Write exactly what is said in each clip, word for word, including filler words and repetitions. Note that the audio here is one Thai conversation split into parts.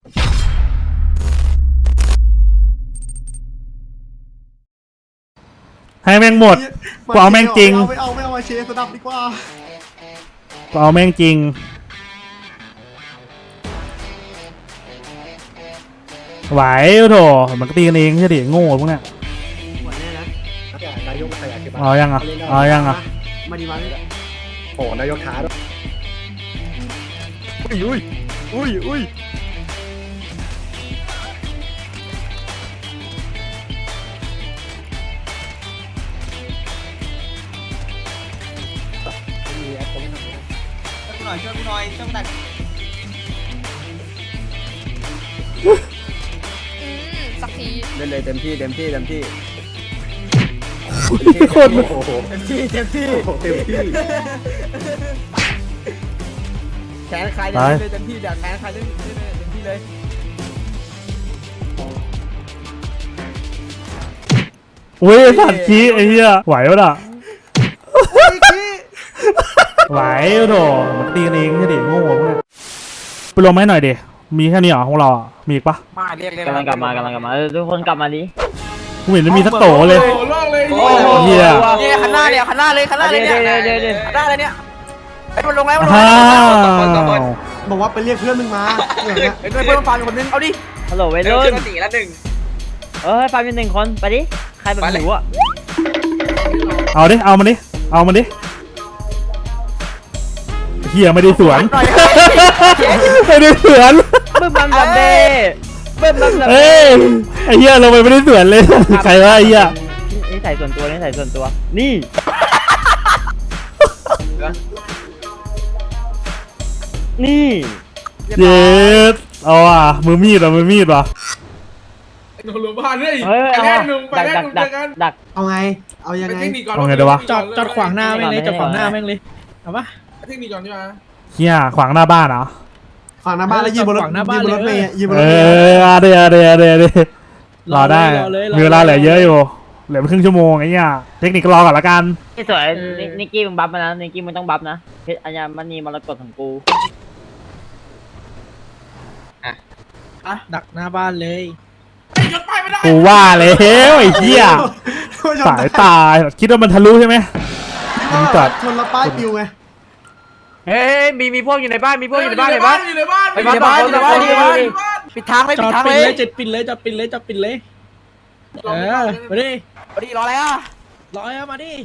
ให้แม่งหมดกูเอาแม่งจริงไม่เอาไม่เอามาเชสดับดีกว่ากูเอาแม่งจริงไหวโถมันก็ตีกันเองใช่ดิโง่พวกเนี้ยนายกมาขยันเก็บเอายังอ่ะเอายังอ่ะมาดีมาเลยโอ้นายกท้าด้วยอุ้ยอุ้ยอุ้ยหน่อยช่วยกูหน่อยช่วยกูตัดสักทีเล่นเลยเต็มที่เต็มที่เต็มที่โคตรเต็มที่เต็มที่เต็มที่แขนใครเล่นเลยเต็มที่เดี๋ยวแขนใครเล่นเต็มที่เลยอุ้ยสัตว์ขี้ไอ้เหี้ยไหวปะล่ะไหวโถมันตีกันเองใช่ดิโง่พวกเนี้ยไปลงไหมหน่อยดิมีแค่นี้เหรอของเราอ่ะมีอีกปะมาเรียกเรียกกำลังกลับมากำลังกลับมาทุกคนกลับมาดิกูเห็นมันมีสักโตเลยเฮียเนี่ยขันหน้าเนี่ยขันหน้าเลยขันหน้าเลยเนี่ยขันหน้าเลยเนี่ยไอ้มันลงแล้วมันลงอ้าแล้ววบอกว่าไปเรียกเพื่อนมึงมาอย่างเงี้ยไอ้เพื่อนมันฟันคนนึงเอาดิฮัลโหลเวรุ่นตีละหนึ่งเออฟันเป็นหนึ่งคนไปดิใครแบบหนูอ่ะเอาดิเอามันดิเอามันดิเฮียไม่ได้สวนไม่ได้สวนบึ้มบัมบัมเบ้บึ้มบัมบัมเอ้ยไอ้เฮียลงไปไม่ได้สวนเลยใครวะไอ้เฮียนี่ใส่ส่วนตัวนี่ใส่ส่วนตัวนี่นี่เย็ดเอาอ่ะมือมีดอ่ะมือมีดว่ะหนูรู้บ้านเลยเฮ้ยไปแรกหนุ่มไปดักแรดักกหนุ่มดักดักเอาไงเอายังไปไงเทคนิคก่อนเอาไงดีวะจอดจอดขวางหน้าแม่งเลยจอดขวางหน้าแม่งเลยเอาปะเทคนิคก่อนใช่ไหมเฮียขวางหน้าบ้านเหรอฝั่งหน้าบ้านแล้วยืนบนรถฝั่งหน้าบ้านยืนบนรถเมย์ยืนบนเอรถเมย์อเดี๋ยวเดี๋ยวเดี๋ยวเดี๋ยวรอได้รอเลยมีเวลาเหลือเยอะอยู่เหลือครึ่งชั่วโมงไอ้เงี้ยเทคนิคก็รอก่อนละกันนี่สวยนิกกี้มึงบัฟมานะนิกกี้มึงต้องบัฟนะเพชรอัญมณีมรกตของกูดักหน้าบ้านเลยไอ้ยศไปไม่ได้กูว่าแล้วไอ้เหี้ยสายตาคิดว่ามันทะลุใช่ไหมมันจัดชนละป้ายปิวไงเฮ้ยมีมีพวกอยู่ในบ้านมีพวกอยู่ในบ้านในบ้านอยู่ในบ้านไปบ้านในบ้านในบ้านปิดทางเลยจปิอดดทางปิดเลเลย ยจอดปิดเลยจอดปิดเลยจอดปิดเลยเออมาดิพอดีรออะไรอ่ะรอยมาดิ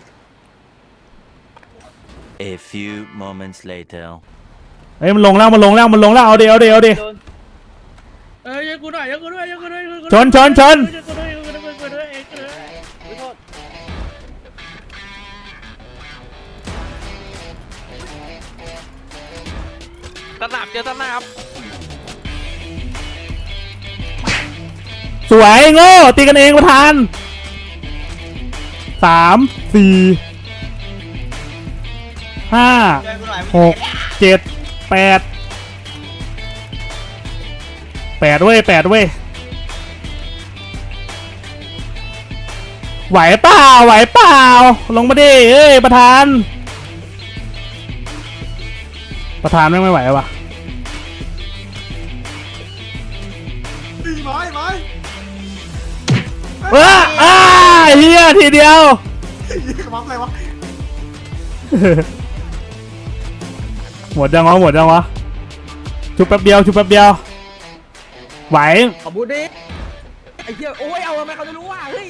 A few moments later. เฮ้ยมันลงแล้วมันลงแล้วมันลงแล้วเอาเดี๋ยวเอาเดี๋ยวเอาดี๋ยวเอ้ยยังกูหน่อยยังกูด้วยยังกูด้วยชนชนชนยังกูด้วยยังกูด้วยยังกูด้วยเอ้ยตะหนับเจอตะหนับสวยโง่ตีกันเองประธานสามสี่ห้าหกเจ็ดแปดแปดเว้ยแปดเว้ยไหวเปล่าไหวเปล่าลงมาดิเอ้ยประธานประธานไม่ไม่ไหววะตีไม้ไม้ว้าอ้าเฮียทีเดียวยิงกระบอกอะไรวะหมดยังวะหมดยังวะชุบแป๊บเดียวชุบแป๊บเดียวไหวขอบูดิไอ้เหี้ยโอ้ยเอาทำไมเขาจะรู้ว่าเฮ้ย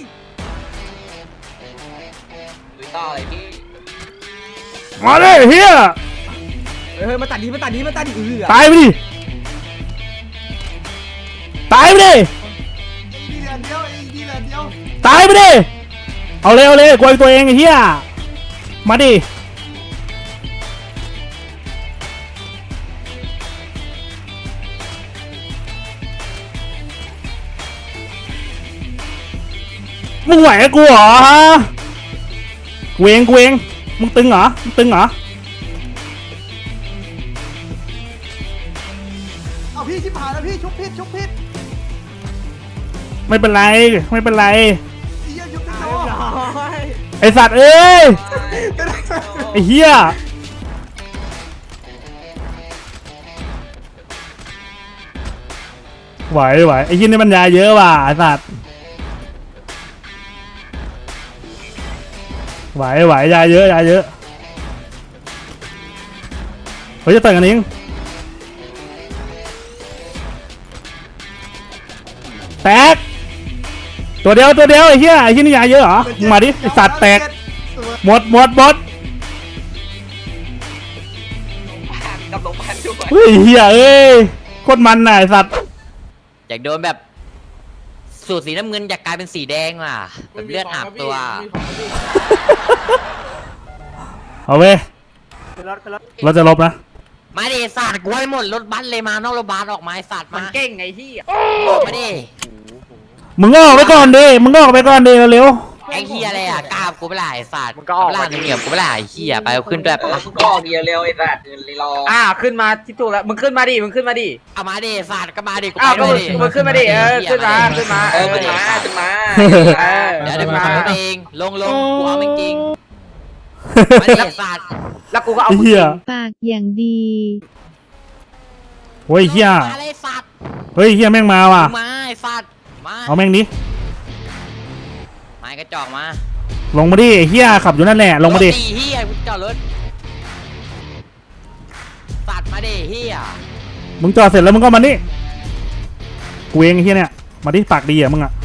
ลุยต่อเลยพี่มาเลยเฮียเฮ้ยมาตัดดีมาตัดดีมาตัดดีเออตายไปดิตายไปดิดีเหลือเดียวอีกดีเหลือเดียวตายไปดิเอาเลยเอาเลยกลัวตัวเองไอ้เฮียมาดิมึงไหวกับกูเหรอฮะกูเองกูเองมึงตึงเหรอมึงตึงเหรอเอาพี่ชิบหายแล้วพี่ชุบพิษชุบพิษไม่เป็นไรไม่เป็นไรไอ้เหี้ยชุบพิษโดไอสัตว์เอ้ยไอเฮียไหวไหวไอ้ยี่นี่มันยาเยอะว่ะไอ้สัตว์ไหวไหวยาเยอะยาเยอะเฮ้ยจะแต่งกันเองแตกตัวเดียวตัวเดียวไอ้เหี้ยไอ้ที่นี่ยาเยอะเหรอมึงมาดิไอ้สัตว์แตกหมดหมดหมดกับลงพันด้วยเฮ้ยเหี้ยเอ้ยโคตรมันน่ะไอ้สัตว์อยากโดนแบบสูตรสีน้ำเงินอยากกลายเป็นสีแดงว่ะแบบเลือดอาบตัวเอาเว้ยขึ้นรถขึ้นรถเราจะลบนะมาดิสัตว์กูให้หมดรถบัสเลยมานอกรถบัสออกมาไอ้สัตว์มัมานเก่งไงที่มาดิมึงก็ออกไปก่อนดิมึงก็ออกไปก่อนดิเร็วไอ้เฮียอะไรอ่ะกล้ากูไม่ได้ไอ้สัตว์มึงก็ออกมาเหนียวกูไม่ได้ไอ้เฮียไปเอาขึ้นแบบมึงก็ออกเดียวเร็วไอ้สัตว์รออ่าขึ้นมาที่ถูกแล้วมึงขึ้นมาดิมึงขึ้นมาดิเอามาดิสัตว์ก็มาดิกูอ้าวไปก็ด้วยดิมึงขึ้นมาดิเออขึ้นมาขึ้นมาเออขึ้นมาขึ้นมาเออเดี๋ยวเดี๋ยวกูมาขับรถเองลงลงกูเอาไม่จริงๆมาดิสัตว์แล้วกูก็เอาไอ้เหี้ยปากอย่างดีโอ้ยเหี้ยมาเลยสัตว์เฮ้ยเหี้ยแม่งมาว่ะมาไอ้สัตว์มาเอาแม่งดิไม้กระจอกมาลงมาดิไอ้เหี้ยขับอยู่นั่นแหละลงมาดิรถเฮียกูจอดรถสัตว์มาดิเฮียมึงจอดเสร็จแล้วมึงก็มานี่กูเองไอ้เหี้ยเนี่ยมาดิปากดีอ่ะมึงอ่ะ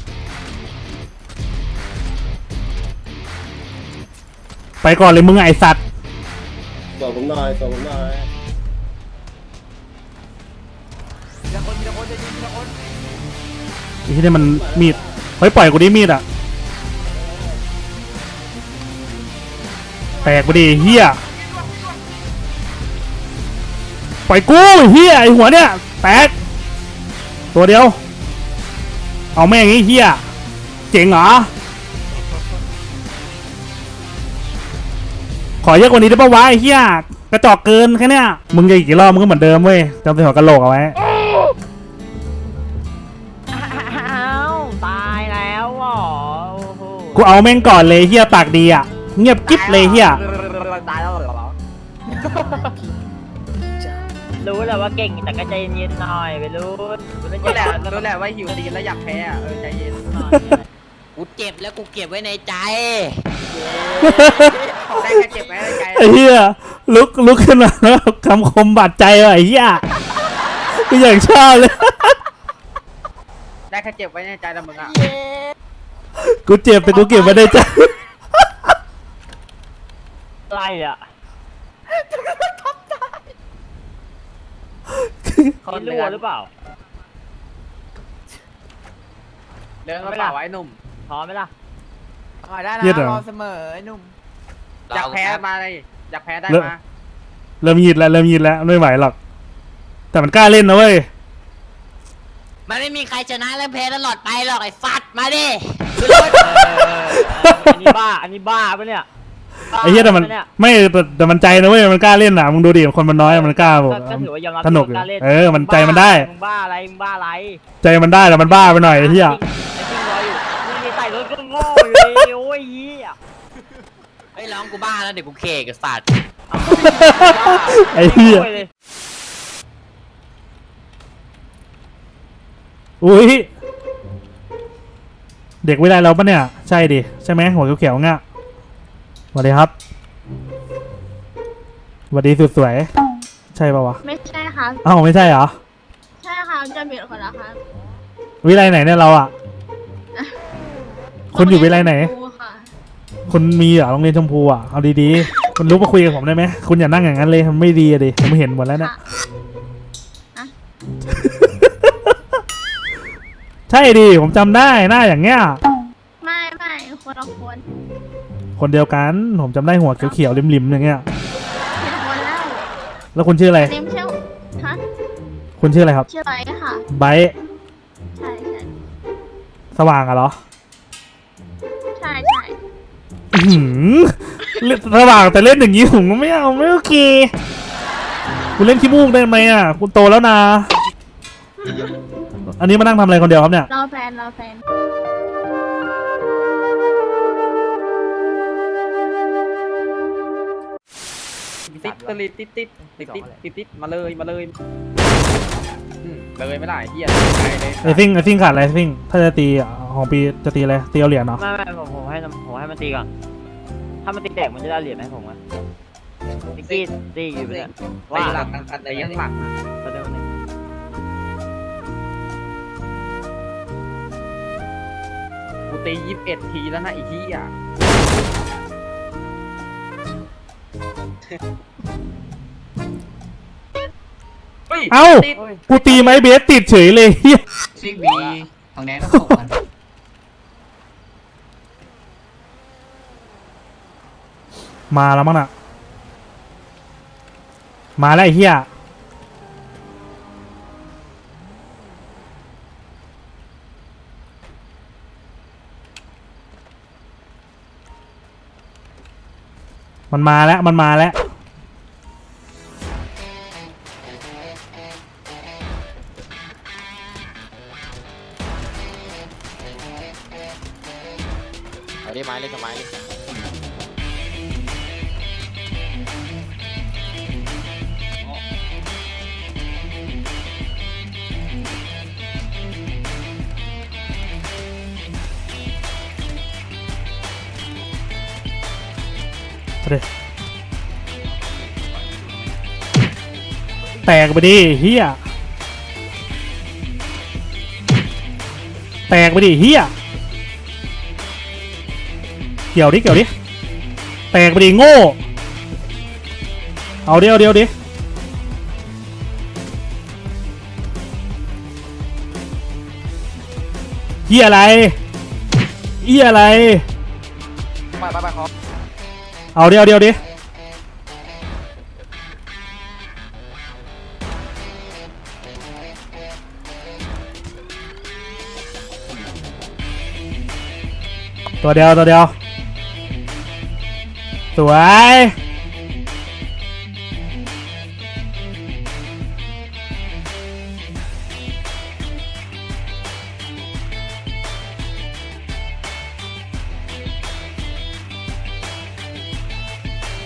ไปก่อนเลยมึงไอ้สัตว์ส่งผมหน่อยส่งผมหน่อยทีละคนทีละคนจะยิงทีละคนไอ้เหี้ยเนี่ยมันมีดเฮ้ยปล่อยกูดิมีดอ่ะแตกกูดิเหี้ยปล่อยกูเหี้ยไอ้หัวเนี่ยแตกตัวเดียวเอาแม่งไอ้เหี้ยเจ๋งเหรอขอเยอะกว่านี้ได้ปะวะไอ้เหี้ยกระจอกเกินแค่เนี้ยมึงจะอีกกี่รอบมึงก็เหมือนเดิมเว้ยจำใส่หัวกะโหลกเอาไว้อ้าวตายแล้วเหรอโอ้โหกูเอาแม่งก่อนเลยเหี้ยปากดีอ่ะเงียบกิ๊บเลยเหี้ยตายแล้วเหรอรู้แหละว่าเก่งแต่ก็ใจเย็นๆหน่อยไปรู้รู้รู้แหละรู้รู้แหละว่าหิวตีนแล้วอยากแพ้อะเออใจเย็นกูเจ็บแล้วกูเก็บไว้ในใจได้แค่เจ็บไว้ในใจไอ้เหี้ยลุกลุกขึ้นมาแล้วคำคมบาดใจว่ะไอ้เหี้ยกูอย่างชอบเลยได้แค่เจ็บไว้ในใจแต่มึงอ่ะกูเจ็บแต่กูเก็บไว้ในใจอะไรอ่ะเขารั่วหรือเปล่าเดินมาเปล่าไว้หนุ่มพร้อมไหมล่ะได้นะเย็ดเหรอรอเสมอไอ้หนุ่มอยากแพ้มาเลยอยากแพ้ได้มาเริ่มยิดแล้วเริ่มยิดแล้วไม่ไหวหรอกแต่มันกล้าเล่นนะเว้ยมันไม่มีใครชนะและแพ้ตลอดไปหรอกไอ้สัตว์มาดิอันนี้บ้าอันนี้บ้าปะเนี่ยบ้าไอ้เหี้ยแต่มันปะเนี่ยไม่แต่แต่มันใจนะเว้ยมันกล้าเล่นน่ะมึงดูดิคนมันน้อยมันกล้าบอกก็ก็ถือว่ายอมรับสนุกอยู่ว่าารล่เออมันใจมันได้มึงบ้าอะไรมึงบ้าอะไรใจมันได้แต่มันบ้าไปหน่อยไอ้เหี้ยไอ้จริงรออยู่มึงนี่ใส่รถก็โง่อยู่เลยโอ้ยเหี้ยไอ้ยร้องกูบ้าแล้วเดี๋ยวกูเคกับสัตว์ไอ้เหี้ยโง่เลยอุ้ยเด็กวิไลเราปะเนี่ยใช่ดิใช่ไหมหัวเขียวๆง่ะสวัสดีครับสวัสดีสุดสวยใช่ปะวะไม่ใช่ครับอ้าวไม่ใช่เหรอใช่ครับจะเบียดคนละครับวิไลไหนเนี่ยเราอ่ะ คุณอยู่วิไลไหนครูค่ะคุณมีเหรอโรงเรียนชมพูอ่ะเอาดีๆคุณรู้มาคุยกับผมได้ไหมคุณอย่านั่งอย่างนั้นเลยมันไม่ดีอะดิผมเห็นหมดแล้วเนี่ยค่ะใช่ดิผมจำได้หน้าอย่างเงี้ยไม่ไม่คนละคนคนเดียวกันผมจำได้หัวเขียวๆริมๆอย่างเงี้ยผิดคนแล้วแล้วคุณชื่ออะไรเนมเชื่อฮะคุณชื่ออะไรครับชื่ออะไรค่ะไบร์ทใช่ใช่สว่างอะเหรอใช่ใช่อื้อหือเล่นสว่างแต่เล่นอย่างนี้ผมก็ไม่เอาไม่โอเคคุณเล่นขี้มูกได้ไหมอ่ะคุณโตแล้วนะอันนี้มานั่งทำอะไรคนเดียวครับเนี่ยรอแฟนรอแฟนติดตลิดติดติดติดติดติดติดมาเลยมาเลยอืมเลยไม่ได้เหี้ยไปเลยไอซิ่งไอซิ่งขาดอะไรซิ่งถ้าจะตีอ่ะของปีจะตีอะไรตีเอาเหรียญเนาะไม่ไม่ผมผมให้ผมให้มันตีก่อนถ้ามันตีแตกมันจะได้เหรียญให้ผมอ่ะนิกกี้ตีอยู่เนี่ยว่าหลังกันแต่ยังหลังประเดี๋ยวนึงกูตียี่สิบเอ็ดทีแล้วนะอีกทีอ่ะเอ้ากูตีไม้เบสติดเฉยเลยเฮียซิกบีของแดงก็ส่งกันมาแล้วมั้งน่ะมาแล้วไอ้เฮียมันมาแล้วมันมาแล้วเอาได้ไม้เล่นกับไม้เลยเอาดิแตกไปดิเฮียแตกไปดิเฮียเกี่ยวดิเกี่ยวดิแตกไปดิโง่เอาเดียวเดียวดิเฮียอะไรเฮียอะไรไปไปไปขอเอาเดียวเดียวดิตัวเดียวตัวเดียวสวย